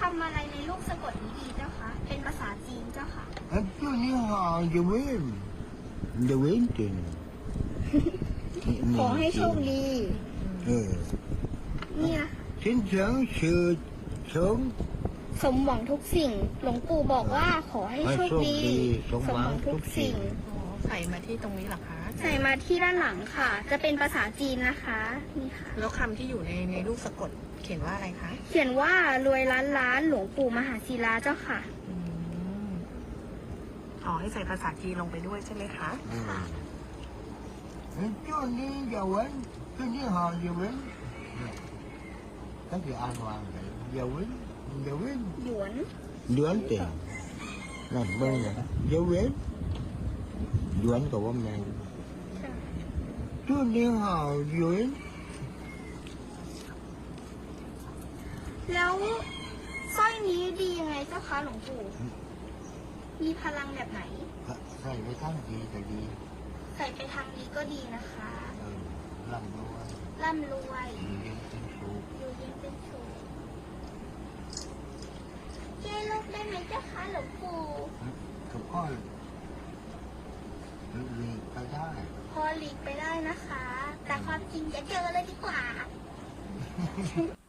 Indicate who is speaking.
Speaker 1: ำอะไรในลูกสะกดนี้ดีเจ้าคะเป็นภาษาจีนเจ้าค่ะ
Speaker 2: Chú đi hò giờ quên tiền
Speaker 1: ขอให้โชคดี เนี่ย
Speaker 2: Xin sớm sự sớm
Speaker 1: สมหวังทุกสิ่ง หลวงปู่บอกว่าขอให้โชคดี
Speaker 2: สมหวังทุกสิ่ง
Speaker 3: อ๋อใส่มาที่ตรงนี้เหรอคะ
Speaker 1: ใส่มาที่ด้านหลังค่ะ จะเป็นภาษาจีนนะคะ นี่ค่ะ
Speaker 3: แล้วคำที่อยู่ในลูกสะกดเขียนว่าอะไรคะ
Speaker 1: เขียนว่ารวยล้านล้านหลวงปู่มหาศิลาเจ้าค่ะ
Speaker 3: อืมอ๋อให้ใส่ภาษาจีนลงไปด้วยใช่ไหมคะ
Speaker 2: Chú đi giờ quên Chú đi hò giờ quên Các chị an toàn vậy giờ quên
Speaker 1: หยวน
Speaker 2: Duẩn tiền Làm bên này giờ quên Duẩn của ông này Chú đi hò giờ quên
Speaker 1: แล้วสร้อยนี้ดียังไงเจ้าคะหลวงปู่ มีพลังแบบไหน
Speaker 2: Thầy phải thắng gì thầy đi
Speaker 1: ใส่ไปทางนี้ก็ดีนะคะ
Speaker 2: Làm đâu
Speaker 1: ร่ำรวย
Speaker 2: Đi trên số
Speaker 1: อยู่เย็นเป็นสุขเจ๊ลูกได้ไหมเจ้าคะหลวงปู่
Speaker 2: Không có Vì ta ra
Speaker 1: พอหลีกไปได้นะคะ แต่ความจริงจะเจอเลยดีกว่า